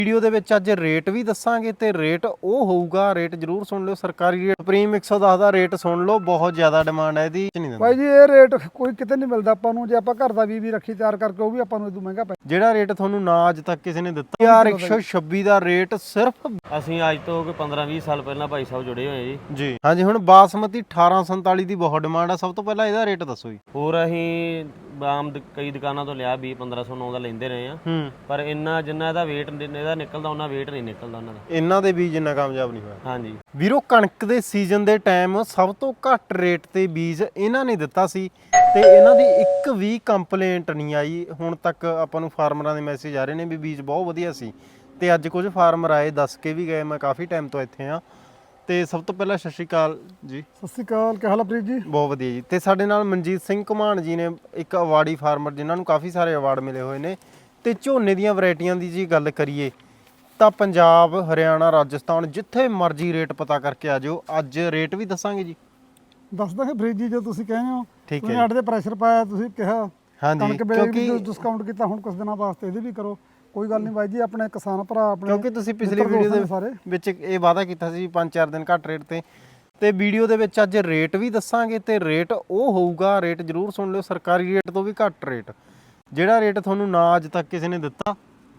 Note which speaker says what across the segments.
Speaker 1: Video ਦੇ ਵਿੱਚ ਅੱਜ ਰੇਟ ਵੀ ਦੱਸਾਂਗੇ ਤੇ ਰੇਟ ਉਹ ਹੋਊਗਾ, ਰੇਟ ਜਰੂਰ ਸੁਣ ਲਿਓ। ਸਰਕਾਰੀ ਰੇਟ ਸੁਪਰੀਮ 110 ਦਾ ਰੇਟ ਸੁਣ ਲਓ, ਬਹੁਤ ਜ਼ਿਆਦਾ ਡਿਮਾਂਡ ਹੈ ਇਹਦੀ। ਨਹੀਂ ਦਿੰਦਾ
Speaker 2: ਬਾਈ ਜੀ ਇਹ ਰੇਟ ਕੋਈ ਕਿਤੇ ਨਹੀਂ ਮਿਲਦਾ ਆਪਾਂ ਨੂੰ। ਜੇ ਆਪਾਂ ਘਰ ਦਾ ਵੀ ਰੱਖੀ ਤਿਆਰ ਕਰਕੇ ਉਹ ਵੀ ਆਪਾਂ ਨੂੰ ਇਦੋਂ ਮਹਿੰਗਾ ਪੈ
Speaker 1: ਜਿਹੜਾ ਰੇਟ ਤੁਹਾਨੂੰ ਨਾ ਅੱਜ ਤੱਕ ਕਿਸੇ ਨੇ ਦਿੱਤਾ ਯਾਰ 126 ਦਾ ਰੇਟ ਸਿਰਫ।
Speaker 3: ਅਸੀਂ ਅੱਜ ਤੋਂ 15-20 ਸਾਲ ਪਹਿਲਾਂ ਭਾਈ ਸਾਹਿਬ ਜੁੜੇ ਹੋਏ
Speaker 1: ਜੀ ਹਾਂਜੀ। ਹੁਣ ਬਾਸਮਤੀ 1847 ਦੀ ਬਹੁਤ ਡਿਮਾਂਡ ਆ। ਸਭ ਤੋਂ ਪਹਿਲਾਂ ਇਹਦਾ ਰੇਟ ਦੱਸੋ ਜੀ।
Speaker 3: ਹੋਰ ਅਸੀਂ ਆਮ ਕਈ ਦੁਕਾਨਾਂ ਤੋਂ ਲਿਆ 20-1509 ਦਾ ਲੈਂਦੇ ਰਹੇ ਆ, ਪਰ ਇੰਨਾ ਜਿੰਨਾ ਇਹਦਾ weight ਇਹਦਾ ਨਿਕਲਦਾ ਉਹਨਾਂ weight ਨਹੀਂ ਨਿਕਲਦਾ ਉਹਨਾਂ ਦਾ।
Speaker 1: ਇਹਨਾਂ ਦੇ ਬੀਜ ਇੰਨਾ ਕਾਮਯਾਬ ਨਹੀਂ ਹੋਇਆ।
Speaker 3: ਹਾਂਜੀ
Speaker 1: ਵੀਰੋ, ਕਣਕ ਦੇ ਸੀਜ਼ਨ ਦੇ ਟਾਈਮ ਸਭ ਤੋਂ ਘੱਟ ਰੇਟ ਤੇ ਬੀਜ ਇਹਨਾਂ ਨੇ ਦਿੱਤਾ ਸੀ ਤੇ ਇਹਨਾਂ ਦੀ ਇੱਕ ਵੀ ਕੰਪਲੇਂਟ ਨਹੀਂ ਆਈ ਹੁਣ ਤੱਕ। ਆਪਾਂ ਨੂੰ ਫਾਰਮਰਾਂ ਦੇ ਮੈਸੇਜ ਆ ਰਹੇ ਨੇ ਵੀ ਬੀਜ ਬਹੁਤ ਵਧੀਆ ਸੀ ਤੇ ਅੱਜ ਕੁਝ ਫਾਰਮਰ ਆਏ ਦੱਸ ਕੇ ਵੀ ਗਏ। ਮੈਂ ਕਾਫੀ ਟਾਈਮ ਤੋਂ ਇੱਥੇ ਆ ਤੇ ਸਭ ਤੋਂ ਪਹਿਲਾਂ ਸਤਿ ਸ਼੍ਰੀ ਅਕਾਲ ਜੀ।
Speaker 2: ਸਤਿ ਸ਼੍ਰੀ ਅਕਾਲ, ਕੀ ਹਾਲ ਹੈ ਪ੍ਰੀਤ ਜੀ?
Speaker 1: ਬਹੁਤ ਵਧੀਆ ਜੀ। ਤੇ ਸਾਡੇ ਨਾਲ ਮਨਜੀਤ ਸਿੰਘ ਘੁਮਾਣ ਜੀ ਨੇ, ਇੱਕ ਅਵਾਰਡੀ ਫਾਰਮਰ ਜਿਨ੍ਹਾਂ ਨੂੰ ਕਾਫੀ ਸਾਰੇ ਅਵਾਰਡ ਮਿਲੇ ਹੋਏ ਨੇ। ਤੇ ਝੋਨੇ ਦੀਆਂ ਵੈਰਾਈਟੀਆਂ ਦੀ ਜੀ ਗੱਲ ਕਰੀਏ ਤਾਂ ਪੰਜਾਬ, ਹਰਿਆਣਾ, ਰਾਜਸਥਾਨ ਜਿੱਥੇ ਮਰਜ਼ੀ ਰੇਟ ਪਤਾ ਕਰਕੇ ਆ ਜਾਓ। ਅੱਜ ਰੇਟ ਵੀ ਦੱਸਾਂਗੇ ਜੀ।
Speaker 2: ਦੱਸ ਦਾਂਗੇ ਪ੍ਰੀਤ ਜੀ, ਜੋ ਤੁਸੀਂ ਕਹਿੰਦੇ ਹੋ।
Speaker 1: ਠੀਕ ਹੈ।
Speaker 2: ਤੁਸੀਂ ਸਾਡੇ ਤੇ ਪ੍ਰੈਸ਼ਰ ਪਾਇਆ, ਤੁਸੀਂ ਕਿਹਾ
Speaker 1: ਹਾਂਜੀ,
Speaker 2: ਕਣਕ ਵੇਲੇ ਵੀ ਡਿਸਕਾਊਂਟ ਕੀਤਾ, ਹੁਣ ਕੁਝ ਦਿਨਾਂ ਵਾਸਤੇ ਇਹਦੇ ਵੀ ਕਰੋ। ਕੋਈ ਗੱਲ ਨਹੀਂ ਬਾਈ ਜੀ, ਆਪਣੇ ਕਿਸਾਨ ਭਰਾ ਆਪਣੇ,
Speaker 1: ਕਿਉਂਕਿ ਤੁਸੀਂ ਪਿਛਲੀ ਵੀਡੀਓ ਦੇ ਵਿੱਚ ਇਹ ਵਾਅਦਾ ਕੀਤਾ ਸੀ 5-4 ਦਿਨ ਘੱਟ ਰੇਟ ਤੇ ਵੀਡੀਓ ਦੇ ਵਿੱਚ ਅੱਜ ਰੇਟ ਵੀ ਦੱਸਾਂਗੇ ਤੇ ਰੇਟ ਉਹ ਹੋਊਗਾ, ਰੇਟ ਜਰੂਰ ਸੁਣ ਲਿਓ, ਸਰਕਾਰੀ ਰੇਟ ਤੋਂ ਵੀ ਘੱਟ ਰੇਟ। ਜਿਹੜਾ ਰੇਟ ਤੁਹਾਨੂੰ ਨਾ ਅੱਜ ਤੱਕ ਕਿਸੇ ਨੇ ਦਿੱਤਾ।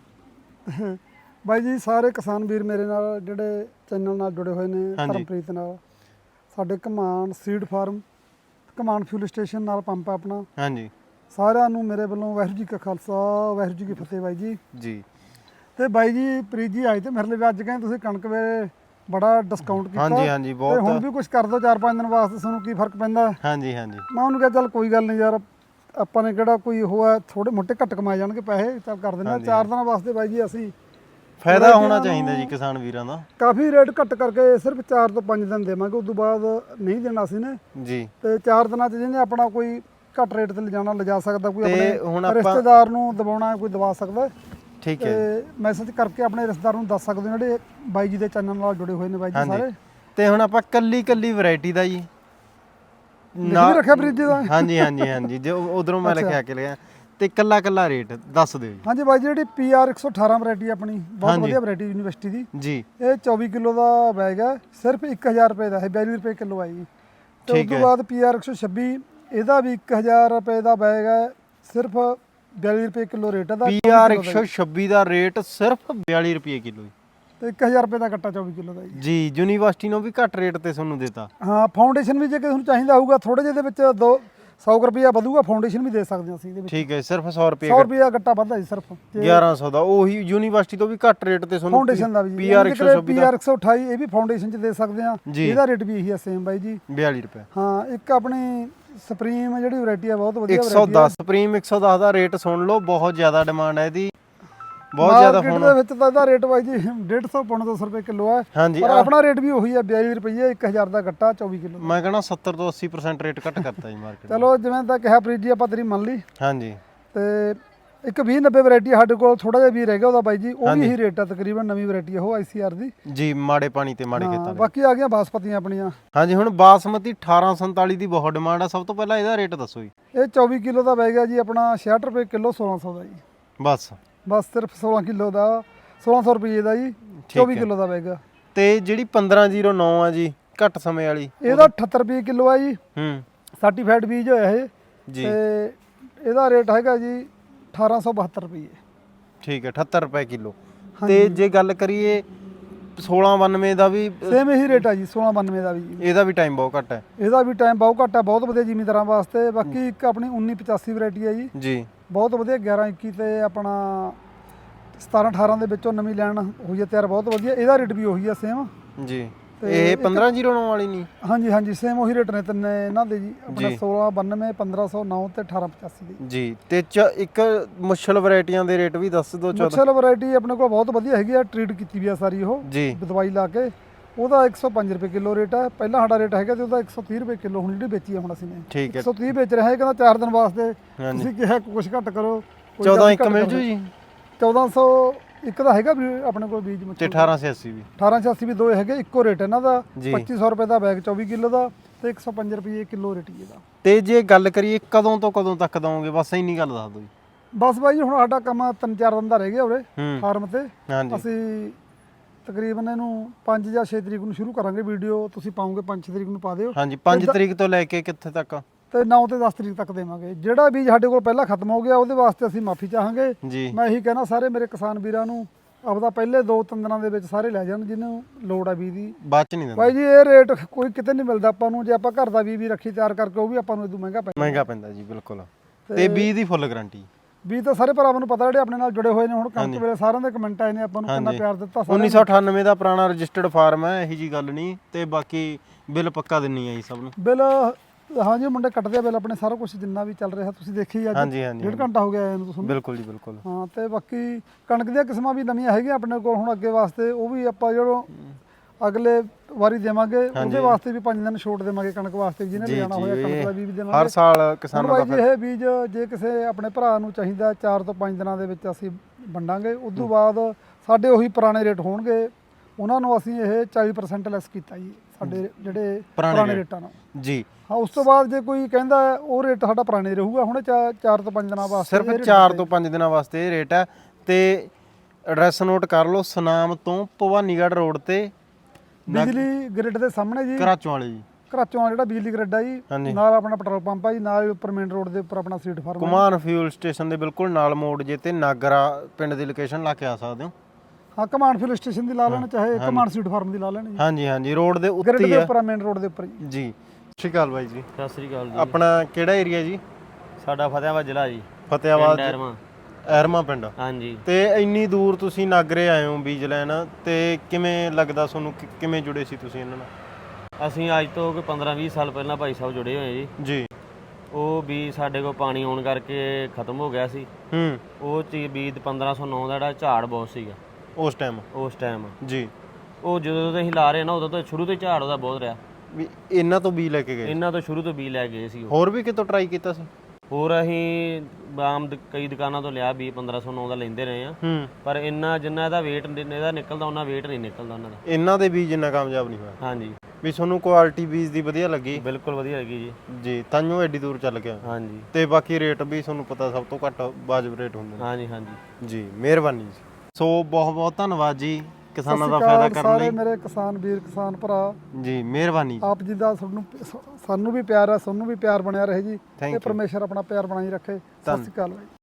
Speaker 2: ਬਾਈ ਜੀ ਸਾਰੇ ਕਿਸਾਨ ਵੀਰ ਮੇਰੇ ਨਾਲ ਜਿਹੜੇ ਚੈਨਲ ਨਾਲ ਜੁੜੇ ਹੋਏ ਨੇ, ਧਰਮਪ੍ਰੀਤ ਨਾਲ, ਸਾਡੇ Ghuman seed farm, Ghuman fuel station ਨਾਲ ਪੰਪ ਆਪਣਾ,
Speaker 1: ਹਾਂਜੀ,
Speaker 2: ਸਾਰਿਆਂ ਨੂੰ ਮੇਰੇ ਵੱਲੋਂ ਵਾਹਿਗੁਰੂ ਜੀ ਕਾ ਖਾਲਸਾ ਵਾਹਿਗੁਰੂ ਜੀ ਕੀ ਫਤਿਹ ਬਾਈ ਜੀ।
Speaker 1: ਜੀ
Speaker 2: ਤੇ ਬਾਈ ਜੀ ਪ੍ਰੀਤ ਜੀ ਆਏ ਤੇ ਮੇਰੇ ਲਈ ਅੱਜ ਕਹਿੰਦੇ ਤੁਸੀਂ ਕਣਕ ਵੇ ਬੜਾ ਡਿਸਕਾਊਂਟ ਕੀਤਾ।
Speaker 1: ਹਾਂਜੀ ਹਾਂਜੀ, ਬਹੁਤ।
Speaker 2: ਹੁਣ ਵੀ ਕੁਝ ਕਰ ਦੋ 4-5 ਦਿਨ ਵਾਸਤੇ, ਤੁਹਾਨੂੰ ਕੀ ਫਰਕ ਪੈਂਦਾ?
Speaker 1: ਹਾਂਜੀ ਹਾਂਜੀ।
Speaker 2: ਮੈਂ ਉਹਨੂੰ ਕਿਹਾ ਚੱਲ ਕੋਈ ਗੱਲ ਨਹੀਂ ਯਾਰ, ਆਪਾਂ ਨੇ ਕਿਹੜਾ ਕੋਈ ਹੋਇਆ, ਥੋੜੇ ਮੋਟੇ ਘੱਟ ਕਮਾਏ ਜਾਣਗੇ ਪੈਸੇ, ਚੱਲ ਕਰ ਦਿੰਦੇ 4 ਦਿਨਾਂ ਵਾਸਤੇ ਬਾਈ ਜੀ। ਅਸੀਂ
Speaker 1: ਫਾਇਦਾ ਹੋਣਾ ਚਾਹੀਦਾ ਜੀ ਕਿਸਾਨ ਵੀਰਾਂ ਦਾ।
Speaker 2: ਕਾਫੀ ਰੇਟ ਘੱਟ ਕਰਕੇ ਸਿਰਫ 4 ਤੋਂ 5 ਦਿਨ ਦੇਵਾਂਗੇ, ਉਸ ਤੋਂ ਬਾਅਦ ਨਹੀਂ ਦੇਣਾ ਸੀ ਨੇ ਜੀ। ਤੇ 4 ਦਿਨਾਂ 'ਚ ਜਿਹਨੇ ਆਪਣਾ ਕੋਈ ਘੱਟ ਰੇਟ ਤੇ ਲਿਜਾਣਾ ਲਿਜਾ ਸਕਦਾ, ਕੋਈ ਆਪਣੇ ਰਿਸ਼ਤੇਦਾਰ ਨੂੰ ਦਬਾਉਣਾ ਕੋਈ ਦਬਾ ਸਕਦਾ।
Speaker 1: ਠੀਕ ਹੈ।
Speaker 2: ਤੇ ਮੈਸੇਜ ਕਰਕੇ ਆਪਣੇ ਰਿਸ਼ਤੇਦਾਰ ਨੂੰ ਦੱਸ ਸਕਦੇ ਹੋ ਜਿਹੜੇ ਬਾਈ ਜੀ ਦੇ ਚੈਨਲ ਨਾਲ ਜੁੜੇ ਹੋਏ ਨੇ ਬਾਈ ਜੀ ਸਾਰੇ।
Speaker 1: ਤੇ ਹੁਣ ਆਪਾਂ ਕੱਲੀ ਵੈਰਾਈਟੀ ਦਾ ਜੀ
Speaker 2: ਨਾਮ ਰੱਖਿਆ ਪ੍ਰੀਤ ਜੀ ਦਾ।
Speaker 1: ਹਾਂਜੀ ਹਾਂਜੀ ਹਾਂਜੀ, ਜੋ ਉਧਰੋਂ ਮੈਂ ਲਿਖਿਆ ਕੇ ਲਿਆ ਤੇ ਕੱਲਾ ਰੇਟ ਦੱਸ ਦਿਓ ਜੀ।
Speaker 2: ਹਾਂਜੀ ਬਾਈ ਜੀ, ਜਿਹੜੀ PR 118 ਵੈਰਾਈਟੀ ਆਪਣੀ ਬਹੁਤ ਵਧੀਆ ਵੈਰਾਈਟੀ ਯੂਨੀਵਰਸਿਟੀ ਦੀ ਜੀ, ਇਹ 24 ਕਿਲੋ ਦਾ ਬੈਗ ਹੈ, ਸਿਰਫ 1000 ਰੁਪਏ ਦਾ ਹੈ, 42 ਰੁਪਏ ਕਿਲੋ ਹੈ ਜੀ। ਤੇ ਉਸ ਤੋਂ ਬਾਅਦ PR 126, ਇਹਦਾ ਵੀ 1000 ਰੁਪਏ ਦਾ ਬੈਗ ਹੈ, ਸਿਰਫ 42 ਰੁਪਏ ਕਿਲੋ ਰੇਟ ਹੈ ਦਾ।
Speaker 1: PR 126 ਦਾ ਰੇਟ ਸਿਰਫ 42 ਰੁਪਏ ਕਿਲੋ
Speaker 2: ਤੇ 1000 ਰੁਪਏ ਦਾ ਕੱਟਾ 24 ਕਿਲੋ ਦਾ
Speaker 1: ਜੀ। ਯੂਨੀਵਰਸਿਟੀ ਨੂੰ ਵੀ ਘੱਟ ਰੇਟ ਤੇ ਤੁਹਾਨੂੰ ਦੇਤਾ।
Speaker 2: ਹਾਂ, ਫਾਊਂਡੇਸ਼ਨ ਵੀ ਜੇ ਤੁਹਾਨੂੰ ਚਾਹੀਦਾ ਹੋਊਗਾ ਥੋੜੇ ਜਿਹੇ ਦੇ ਵਿੱਚ 100 ਰੁਪਏ ਵਧੂਗਾ, ਫਾਊਂਡੇਸ਼ਨ ਵੀ ਦੇ ਸਕਦੇ ਹਾਂ ਅਸੀਂ ਇਹਦੇ ਵਿੱਚ।
Speaker 1: ਠੀਕ ਹੈ, ਸਿਰਫ 100 ਰੁਪਏ
Speaker 2: ਕੱਟਾ ਵੱਧਦਾ ਜੀ, ਸਿਰਫ
Speaker 1: 1100 ਦਾ। ਉਹੀ ਯੂਨੀਵਰਸਿਟੀ ਤੋਂ ਵੀ ਘੱਟ ਰੇਟ ਤੇ ਤੁਹਾਨੂੰ
Speaker 2: ਫਾਊਂਡੇਸ਼ਨ ਦਾ ਵੀ
Speaker 1: PR 126
Speaker 2: PR 128 ਇਹ ਵੀ ਫਾਊਂਡੇਸ਼ਨ 'ਚ ਦੇ ਸਕਦੇ ਆ। ਇਹਦਾ ਰੇਟ ਵੀ ਇਹੀ ਆ ਸੇਮ ਬਾਈ ਜੀ,
Speaker 1: 42 ਰੁਪਏ।
Speaker 2: ਹਾਂ, ਇੱਕ ਆਪਣੀ ਸੁਪਰੀਮ ਜਿਹੜੀ ਵੈਰਾਈਟੀ ਆ ਬਹੁਤ ਵਧੀਆ
Speaker 1: 110 ਸੁਪਰੀਮ 110 ਦਾ ਰੇਟ ਸੁਣ ਲਓ, ਬਹੁਤ ਜ਼ਿਆਦਾ ਡਿਮਾਂਡ ਹੈ ਇਹਦੀ, ਬਹੁਤ ਜ਼ਿਆਦਾ।
Speaker 2: ਫੋਨ ਦੇ ਵਿੱਚ ਤਾਂ ਇਹਦਾ ਰੇਟ ਬਾਈ ਜੀ 150 ਪੌਂਡ 200 ਰੁਪਏ ਕਿਲੋ ਹੈ। ਪਰ ਆਪਣਾ ਰੇਟ ਵੀ ਉਹੀ ਹੈ 42 ਰੁਪਏ 1000 ਦਾ ਗੱਟਾ 24 ਕਿਲੋ।
Speaker 1: ਮੈਂ ਕਹਿੰਦਾ 70 ਤੋਂ 80% ਰੇਟ ਘੱਟ ਕਰਤਾ ਜੀ ਮਾਰਕੀਟ।
Speaker 2: ਚਲੋ ਜਿਵੇਂ ਤਾਂ ਕਿਹਾ ਪ੍ਰੀਤ ਜੀ, ਆਪਾਂ ਤੇਰੀ ਮੰਨ ਲਈ।
Speaker 1: ਹਾਂਜੀ।
Speaker 2: ਤੇ ਇੱਕ 2090 ਵੈਰਾਈਟੀ ਸਾਡੇ ਕੋਲ ਥੋੜਾ ਜਿਹਾ ਵੀ ਰਹਿ ਗਿਆ ਉਹਦਾ ਬਾਈ ਜੀ, ਉਹ ਵੀ ਇਹੀ ਰੇਟ ਆ ਤਕਰੀਬਨ, ਨਵੀਂ ਵੈਰਾਈਟੀ ਉਹ ICR ਦੀ
Speaker 1: ਜੀ, ਮਾੜੇ ਪਾਣੀ ਤੇ ਮਾੜੇ ਖੇਤਾਂ।
Speaker 2: ਬਾਕੀ ਆ ਗਈਆਂ ਬਾਸਪਤੀਆਂ ਆਪਣੀਆਂ।
Speaker 1: ਹਾਂਜੀ, ਹੁਣ ਬਾਸਮਤੀ 1847 ਦੀ ਬਹੁਤ ਡਿਮਾਂਡ ਆ। ਸਭ ਤੋਂ ਪਹਿਲਾਂ ਇਹਦਾ ਰੇਟ ਦੱਸੋ ਜੀ।
Speaker 2: ਇਹ 24 ਕਿਲੋ ਦਾ ਬੈਗ ਹੈ ਜੀ ਆਪਣਾ, 66 ਰੁਪਏ ਕਿਲੋ, 1600 ਦਾ ਜੀ। ਬਸ ਸਿਰਫ 16 ਕਿਲੋ ਦਾ 1600 ਰੁਪਏ ਦਾ ਜੀ, 24 ਕਿਲੋ ਦਾ ਬੈਗ।
Speaker 1: ਤੇ ਜਿਹੜੀ 1509 ਆ ਜੀ, ਘੱਟ ਸਮੇਂ ਵਾਲੀ,
Speaker 2: ਇਹਦਾ 78 ਰੁਪਏ ਕਿਲੋ ਆ ਜੀ। ਸਰਟੀਫਾਈਡ ਬੀਜ ਹੋਇਆ ਇਹ ਜੀ। ਤੇ ਇਹਦਾ ਰੇਟ ਹੈਗਾ ਜੀ 1872 ਰੁਪਏ।
Speaker 1: ਠੀਕ ਹੈ, 78 ਰੁਪਏ ਕਿਲੋ। ਤੇ ਜੇ ਗੱਲ ਕਰੀਏ 1692 ਦਾ ਵੀ
Speaker 2: ਸੇਮ ਇਹੀ ਰੇਟ ਆ ਜੀ, 1692 ਦਾ ਵੀ।
Speaker 1: ਇਹਦਾ ਵੀ ਟਾਈਮ ਬਹੁਤ ਘੱਟ ਹੈ।
Speaker 2: ਇਹਦਾ ਵੀ ਟਾਈਮ ਬਹੁਤ ਘੱਟ ਹੈ, ਬਹੁਤ ਵਧੀਆ ਜ਼ਿਮੀਂਦਾਰਾਂ ਵਾਸਤੇ। ਬਾਕੀ ਇੱਕ ਆਪਣੀ 1985 ਵੈਰਾਈਟੀ ਹੈ ਜੀ, ਬਹੁਤ ਵਧੀਆ। 1121 ਤੇ ਆਪਣਾ 1718 ਦੇ ਵਿੱਚੋਂ ਨਵੀਂ ਲਾਈਨ ਹੋਈ ਹੈ ਤਿਆਰ, ਬਹੁਤ ਵਧੀਆ। ਇਹਦਾ ਰੇਟ ਵੀ ਉਹੀ ਆ ਸੇਮ ਜੀ। ਇਹ 1509 ਵਾਲੀ ਨਹੀਂ? ਹਾਂਜੀ ਹਾਂਜੀ, ਸੇਮ ਉਹੀ ਰੇਟ ਨੇ ਤਿੰਨੇ ਇਹਨਾਂ ਦੇ ਜੀ, ਆਪਣਾ 1692, 1509 ਤੇ 1885 ਦੇ ਜੀ।
Speaker 1: ਤੇ ਇੱਕ ਮੁਸ਼ਲ ਵੈਰਾਈਟੀਆਂ ਦੇ ਰੇਟ ਵੀ ਦੱਸ ਦਿਓ।
Speaker 2: ਮੁਸ਼ਲ ਵੈਰਾਈਟੀ ਆਪਣੇ ਕੋਲ ਬਹੁਤ ਵਧੀਆ ਹੈਗੀ ਆ, ਟ੍ਰੀਟ ਕੀਤੀ ਵੀ ਆ ਸਾਰੀ ਉਹ ਦਵਾਈ ਲਾ ਕੇ। ਉਹਦਾ 105 ਰੁਪਏ ਕਿਲੋ ਰੇਟ ਹੈ, ਪਹਿਲਾਂ ਸਾਡਾ ਰੇਟ ਹੈਗਾ ਤੇ ਉਹਦਾ 130 ਰੁਪਏ ਕਿਲੋ ਹੁਣ ਜਿਹੜੀ ਵੇਚੀ ਆ ਹੁਣ ਅਸੀਂ ਨੇ। 130 ਵੇਚ ਰਿਹਾ ਹੈ, ਕਹਿੰਦਾ 4 ਦਿਨ ਵਾਸਤੇ ਤੁਸੀਂ ਕਿਹਾ ਕੁਝ ਘੱਟ ਕਰੋ।
Speaker 1: 14 ਇੱਕ ਮਿਲ ਜੂ ਜੀ।
Speaker 2: 1400 ਇੱਕ ਦਾ ਹੈਗਾ ਵੀ ਆਪਣੇ ਕੋਲ ਬੀਜ।
Speaker 1: ਤੇ 1886 ਵੀ
Speaker 2: 1886 ਵੀ ਦੋ ਹੈਗੇ, ਇੱਕੋ ਰੇਟ ਇਹਨਾਂ ਦਾ। 2500 ਰੁਪਏ ਦਾ ਬੈਗ 24 ਕਿਲੋ ਦਾ ਤੇ 105 ਰੁਪਏ ਕਿਲੋ ਰੇਟ ਇਹਦਾ।
Speaker 1: ਤੇ ਜੇ ਗੱਲ ਕਰੀਏ ਕਦੋਂ ਤੋਂ ਕਦੋਂ ਤੱਕ ਦਵੋਗੇ, ਬਸ ਇੰਨੀ ਗੱਲ ਦੱਸ ਦਿਓ ਜੀ।
Speaker 2: ਬਸ ਬਾਈ ਜੀ ਹੁਣ ਸਾਡਾ ਕੰਮ 3-4 ਦਿਨ ਦਾ ਰਹਿ ਗਿਆ ਉਰੇ
Speaker 1: ਹੂੰ
Speaker 2: ਫਾਰਮ ਤੇ।
Speaker 1: ਹਾਂਜੀ
Speaker 2: ਅਸੀਂ ਤਕਰੀਬਨ ਇਹਨੂੰ 5 ਜਾਂ 6 ਤਰੀਕ ਨੂੰ ਸ਼ੁਰੂ ਕਰਾਂਗੇ, ਵੀਡੀਓ ਤੁਸੀਂ ਪਾਉਂਗੇ 5-6 ਤਰੀਕ ਨੂੰ ਪਾ ਦਿਓ,
Speaker 1: ਹਾਂਜੀ 5 ਤਰੀਕ ਤੋਂ ਲੈ ਕੇ ਕਿੱਥੇ ਤੱਕ
Speaker 2: ਤੇ 9 ਤੇ 10 ਤਰੀਕ ਤੱਕ ਦੇਵਾਂਗੇ। ਜਿਹੜਾ ਬੀਜ ਸਾਡੇ ਕੋਲ ਪਹਿਲਾਂ ਖਤਮ ਹੋ ਗਿਆ ਉਹਦੇ ਵਾਸਤੇ ਅਸੀਂ ਮਾਫੀ ਚਾਹਾਂਗੇ।
Speaker 1: ਜੀ
Speaker 2: ਮੈਂ ਇਹੀ ਕਹਿਣਾ ਸਾਰੇ ਮੇਰੇ ਕਿਸਾਨ ਵੀਰਾਂ ਨੂੰ ਆਪਦਾ ਪਹਿਲੇ 2-3 ਦਿਨਾਂ ਦੇ ਵਿੱਚ ਸਾਰੇ ਲੈ ਜਾਣ ਜਿਹਨੂੰ ਲੋੜ ਆ ਬੀਜ ਦੀ।
Speaker 1: ਬਾਅਦ ਚ ਨਹੀਂ ਦਿੰਦਾ,
Speaker 2: ਬਾਈ ਜੀ ਇਹ ਰੇਟ ਕੋਈ ਕਿਤੇ ਨਹੀਂ ਮਿਲਦਾ ਆਪਾਂ ਨੂੰ, ਜੇ ਆਪਾਂ ਘਰ ਦਾ ਬੀਜ ਵੀ ਰੱਖੀ ਤਿਆਰ ਕਰਕੇ ਉਹ ਵੀ ਆਪਾਂ ਨੂੰ ਇਦੋਂ ਮਹਿੰਗਾ ਪੈਂਦਾ।
Speaker 1: ਮਹਿੰਗਾ ਪੈਂਦਾ ਜੀ ਬਿਲਕੁਲ। ਤੇ ਬੀਜ ਦੀ ਫੁੱਲ ਗਾਰੰਟੀ।
Speaker 2: ਬੀਜ ਤਾਂ ਸਾਰੇ ਭਰਾਵਾਂ ਨੂੰ ਪਤਾ ਜਿਹੜੇ ਆਪਣੇ ਨਾਲ ਜੁੜੇ ਹੋਏ ਨੇ, ਹੁਣ ਕਣਕ ਵੇਲੇ ਸਾਰਿਆਂ ਦੇ ਕਮੈਂਟ ਆਏ ਨੇ, ਆਪਾਂ ਨੂੰ ਕਿੰਨਾ ਪਿਆਰ ਦਿੱਤਾ।
Speaker 1: 1998 ਦਾ ਪੁਰਾਣਾ ਰਜਿਸਟਰਡ ਫਾਰਮ ਹੈ, ਇਹੀ ਜੀ ਗੱਲ ਨਹੀਂ। ਤੇ ਬਾਕੀ ਬਿੱਲ ਪੱਕਾ ਦਿੰਨੀ ਆ ਜੀ ਸਭ ਨੂੰ।
Speaker 2: ਬਿੱਲ ਹਾਂਜੀ ਮੁੰਡੇ ਕੱਟਦੇ ਆ ਬਿੱਲ ਆਪਣੇ, ਸਾਰਾ ਕੁਝ ਜਿੰਨਾ ਵੀ ਚੱਲ ਰਿਹਾ ਤੁਸੀਂ ਦੇਖੀ ਅੱਜ
Speaker 1: ਹਾਂਜੀ ਹਾਂਜੀ
Speaker 2: 1.5 ਘੰਟਾ ਹੋ ਗਿਆ ਆਏ ਨੂੰ ਤੁਹਾਨੂੰ।
Speaker 1: ਬਿਲਕੁਲ ਜੀ ਬਿਲਕੁਲ।
Speaker 2: ਹਾਂ ਤੇ ਬਾਕੀ ਕਣਕ ਦੀਆਂ ਕਿਸਮਾਂ ਵੀ ਨਵੀਆਂ ਹੈਗੀਆਂ ਆਪਣੇ ਕੋਲ ਹੁਣ ਅੱਗੇ ਵਾਸਤੇ, ਉਹ ਵੀ ਆਪਾਂ ਜਦੋਂ ਅਗਲੇ ਵਾਰੀ ਦੇਵਾਂਗੇ ਉਹਦੇ ਵਾਸਤੇ ਵੀ 5 ਦਿਨ ਛੋਟ ਦੇਵਾਂਗੇ ਕਣਕ ਵਾਸਤੇ, ਜਿਹਨੇ ਲਿਆਣਾ ਹੋਇਆ ਕਣਕ ਦਾ ਬੀਜ ਵੀ ਦੇਵਾਂਗੇ
Speaker 1: ਹਰ ਸਾਲ ਕਿਸਾਨਾਂ ਦਾ।
Speaker 2: ਜੀ ਇਹ ਬੀਜ ਜੇ ਕਿਸੇ ਆਪਣੇ ਭਰਾ ਨੂੰ ਚਾਹੀਦਾ 4 ਤੋਂ 5 ਦਿਨਾਂ ਦੇ ਵਿੱਚ ਅਸੀਂ ਵੰਡਾਂਗੇ। ਉਸ ਤੋਂ ਬਾਅਦ ਸਾਡੇ ਉਹੀ ਪੁਰਾਣੇ ਰੇਟ ਹੋਣਗੇ, ਉਹਨਾਂ ਨੂੰ ਅਸੀਂ ਇਹ 40% ਲੈਸ ਕੀਤਾ ਜੀ ਸਾਡੇ ਜਿਹੜੇ ਪੁਰਾਣੇ ਰੇਟਾਂ ਨਾਲ
Speaker 1: ਜੀ।
Speaker 2: ਹਾਂ ਉਸ ਤੋਂ ਬਾਅਦ ਜੇ ਕੋਈ ਕਹਿੰਦਾ ਉਹ ਰੇਟ ਸਾਡਾ ਪੁਰਾਣੇ ਰਹੂਗਾ, ਹੁਣ 4 ਤੋਂ 5 ਦਿਨਾਂ ਵਾਸਤੇ
Speaker 1: ਸਿਰਫ 4 ਤੋਂ 5 ਦਿਨਾਂ ਵਾਸਤੇ ਇਹ ਰੇਟ ਹੈ। ਤੇ ਐਡਰੈਸ ਨੋਟ ਕਰ ਲਓ, ਸੁਨਾਮ ਤੋਂ ਭਵਾਨੀਗੜ੍ਹ ਰੋਡ ਤੇ
Speaker 2: ਬਿਜਲੀ ਗ੍ਰਿਡ ਦੇ ਸਾਹਮਣੇ ਜੀ,
Speaker 1: ਕਰਾਚੋਂ ਵਾਲੇ ਜੀ,
Speaker 2: ਕਰਾਚੋਂ ਜਿਹੜਾ ਬਿਜਲੀ ਗ੍ਰਿਡ ਆ ਜੀ, ਨਾਲ ਆਪਣਾ ਪੈਟਰੋਲ ਪੰਪ ਆ ਜੀ, ਨਾਲ ਉੱਪਰ ਮੇਨ ਰੋਡ ਦੇ ਉੱਪਰ ਆਪਣਾ ਸਟਰੀਟ ਫਾਰਮ
Speaker 1: ਕੁਮਾਨ ਫਿਊਲ ਸਟੇਸ਼ਨ ਦੇ ਬਿਲਕੁਲ ਨਾਲ ਮੋੜ ਜੇ ਤੇ ਨਾਗਰਾ ਪਿੰਡ ਦੀ ਲੋਕੇਸ਼ਨ ਲਾ ਕੇ ਆ ਸਕਦੇ ਹੋ।
Speaker 2: ਹਾਂ ਕਮਾਨ ਫਿਊਲ ਸਟੇਸ਼ਨ ਦੀ ਲਾ ਲੈਣ, ਚਾਹੇ ਕਮਾਨ ਸਟਰੀਟ ਫਾਰਮ ਦੀ ਲਾ ਲੈਣ ਜੀ।
Speaker 1: ਹਾਂਜੀ ਹਾਂਜੀ ਰੋਡ ਦੇ ਉੱਤੇ
Speaker 2: ਗ੍ਰਿਡ
Speaker 1: ਹੀ
Speaker 2: ਦੇ
Speaker 1: ਹੈ
Speaker 2: ਉੱਪਰ ਮੇਨ ਰੋਡ ਦੇ ਉੱਪਰ ਜੀ।
Speaker 1: ਜੀ। ਸਤਿ ਸ਼੍ਰੀ ਅਕਾਲ ਬਾਈ ਜੀ।
Speaker 3: ਸਤਿ ਸ੍ਰੀ ਅਕਾਲ ਜੀ।
Speaker 1: ਆਪਣਾ ਕਿਹੜਾ ਏਰੀਆ ਜੀ?
Speaker 3: ਸਾਡਾ ਫਤਿਆਬਾਦ ਜ਼ਿਲ੍ਹਾ ਜੀ,
Speaker 1: ਫਤਿਆਬਾਦ
Speaker 3: ਡੈਰਮਾ।
Speaker 1: ਐਰਮਾ ਪਿੰਡ।
Speaker 3: ਹਾਂਜੀ।
Speaker 1: ਤੇ ਇੰਨੀ ਦੂਰ ਤੁਸੀਂ ਨਾਗਰੇ ਆਏ ਹੋ ਬੀਜ ਲੈਣ, ਤੇ ਕਿਵੇਂ ਲੱਗਦਾ ਤੁਹਾਨੂੰ? ਕਿਵੇਂ ਜੁੜੇ ਸੀ ਤੁਸੀਂ ਇਹਨਾਂ ਨਾਲ?
Speaker 3: ਅਸੀਂ ਅੱਜ ਤੋਂ ਕੋਈ 15-20 ਸਾਲ ਪਹਿਲਾਂ ਭਾਈ ਸਾਹਿਬ ਜੁੜੇ ਹੋਏ ਜੀ।
Speaker 1: ਜੀ।
Speaker 3: ਉਹ ਬੀਜ ਸਾਡੇ ਕੋਲ ਪਾਣੀ ਆਉਣ ਕਰਕੇ ਖਤਮ ਹੋ ਗਿਆ ਸੀ। ਉਹ ਚੀਜ਼ ਬੀਜ 1509 ਦਾ ਜਿਹੜਾ ਝਾੜ ਬਹੁਤ ਸੀਗਾ
Speaker 1: ਉਸ ਟਾਈਮ। ਜੀ।
Speaker 3: ਉਹ ਜਦੋਂ ਤੋਂ ਅਸੀਂ ਲਾ ਰਹੇ ਨਾ ਉਦੋਂ ਤੋਂ ਸ਼ੁਰੂ ਤੋਂ ਝਾੜ ਉਹਦਾ ਬਹੁਤ ਰਿਹਾ।
Speaker 1: ਵੀ ਇਹਨਾਂ ਤੋਂ ਬੀਜ ਲੈ ਕੇ ਗਏ?
Speaker 3: ਇਹਨਾਂ ਤੋਂ ਸ਼ੁਰੂ ਤੋਂ ਬੀਜ ਲੈ ਗਏ ਸੀ।
Speaker 1: ਹੋਰ ਵੀ ਕਿਤੋਂ ਟਰਾਈ ਕੀਤਾ ਸੀ?
Speaker 3: ਹੋਰ ਅਸੀਂ ਆਮ ਕਈ ਦੁਕਾਨਾਂ ਤੋਂ ਲਿਆ ਬੀਜ 1509 ਦਾ ਲੈਂਦੇ ਰਹੇ ਆ, ਪਰ ਇੰਨਾ ਜਿੰਨਾ ਇਹਦਾ weight ਇਹਦਾ ਨਿਕਲਦਾ ਉਹਨਾਂ weight ਨਹੀਂ ਨਿਕਲਦਾ ਉਹਨਾਂ ਦਾ।
Speaker 1: ਇਹਨਾਂ ਦੇ ਬੀਜ ਇੰਨਾ ਕਾਮਯਾਬ ਨਹੀਂ ਹੋਇਆ?
Speaker 3: ਹਾਂਜੀ।
Speaker 1: ਵੀ ਤੁਹਾਨੂੰ ਕੁਆਲਿਟੀ ਬੀਜ ਦੀ ਵਧੀਆ ਲੱਗੀ?
Speaker 3: ਬਿਲਕੁਲ ਵਧੀਆ ਲੱਗੀ ਜੀ।
Speaker 1: ਜੀ ਤਾਂਹੀਓ ਐਡੀ ਦੂਰ ਚੱਲ ਗਿਆ।
Speaker 3: ਹਾਂਜੀ।
Speaker 1: ਤੇ ਬਾਕੀ ਰੇਟ ਵੀ ਤੁਹਾਨੂੰ ਪਤਾ ਸਭ ਤੋਂ ਘੱਟ ਵਾਜਬ ਰੇਟ ਹੁੰਦੇ ਨੇ।
Speaker 3: ਹਾਂਜੀ ਹਾਂਜੀ
Speaker 1: ਜੀ ਮਿਹਰਬਾਨੀ ਜੀ। ਸੋ ਬਹੁਤ ਬਹੁਤ ਧੰਨਵਾਦ ਜੀ ਕਿਸਾਨਾਂ ਦਾ ਫਾਇਦਾ ਕਰਨ ਲਈ।
Speaker 2: ਸਾਰੇ ਮੇਰੇ ਕਿਸਾਨ ਵੀਰ ਕਿਸਾਨ ਭਰਾ
Speaker 1: ਜੀ ਮਿਹਰਬਾਨੀ।
Speaker 2: ਆਪ ਜੀ ਦਾ ਸਾਨੂੰ ਵੀ ਪਿਆਰ ਹੈ, ਸਾਨੂੰ ਵੀ ਪਿਆਰ ਬਣਿਆ ਰਹੇ ਜੀ, ਤੇ ਪਰਮੇਸ਼ਰ ਆਪਣਾ ਪਿਆਰ ਬਣਾਈ ਰੱਖੇ। ਸਤਿ ਸ਼੍ਰੀ ਅਕਾਲ ਬਾਈ।